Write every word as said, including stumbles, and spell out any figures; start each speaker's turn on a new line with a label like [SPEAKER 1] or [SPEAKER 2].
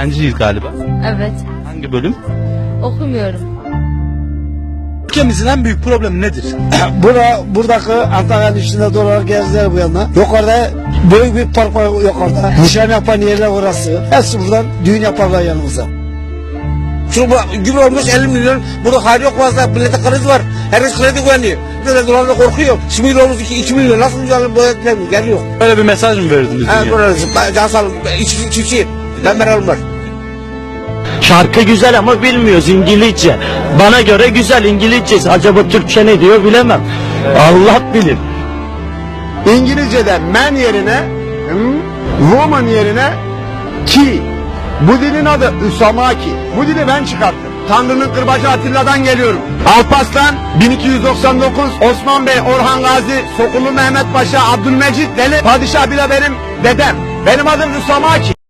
[SPEAKER 1] Öğrenciyiz galiba.
[SPEAKER 2] Evet.
[SPEAKER 1] Hangi bölüm?
[SPEAKER 2] Okumuyorum.
[SPEAKER 1] Ülkemizin en büyük problemi nedir?
[SPEAKER 3] Bura, buradaki Antalya'nın içinde dolar gezdiler bu yana. Yukarıda büyük bir park var yukarıda. Nişan yapan yerler orası. Hepsi buradan düğün yaparlar yanımıza.
[SPEAKER 4] Şu gübre olmuş elli milyon. Burada hali yok fazla. Millete kredi var. Herkes kredi güveniyor. Millete dolarla korkuyor. Şimdi milyon olmuş iki milyon. Nasıl mücadele bu geliyor?
[SPEAKER 1] Böyle bir mesaj mı verdiniz?
[SPEAKER 4] Evet böyle. Can sağlık. Çiftçiyim. Ben meralım var.
[SPEAKER 5] Şarkı güzel ama bilmiyoruz İngilizce. Bana göre güzel İngilizcesi. Acaba Türkçe ne diyor bilemem. Allah bilir.
[SPEAKER 6] İngilizce'de man yerine hmm, woman yerine ki. Bu dilin adı Üsamaki. Bu dili ben çıkarttım. Tanrı'nın kırbacı Atilla'dan geliyorum. Alparslan bin iki yüz doksan dokuz, Osman Bey, Orhan Gazi, Sokulu Mehmet Paşa, Abdülmecit Deli, Padişah bile benim dedem. Benim adım Üsamaki.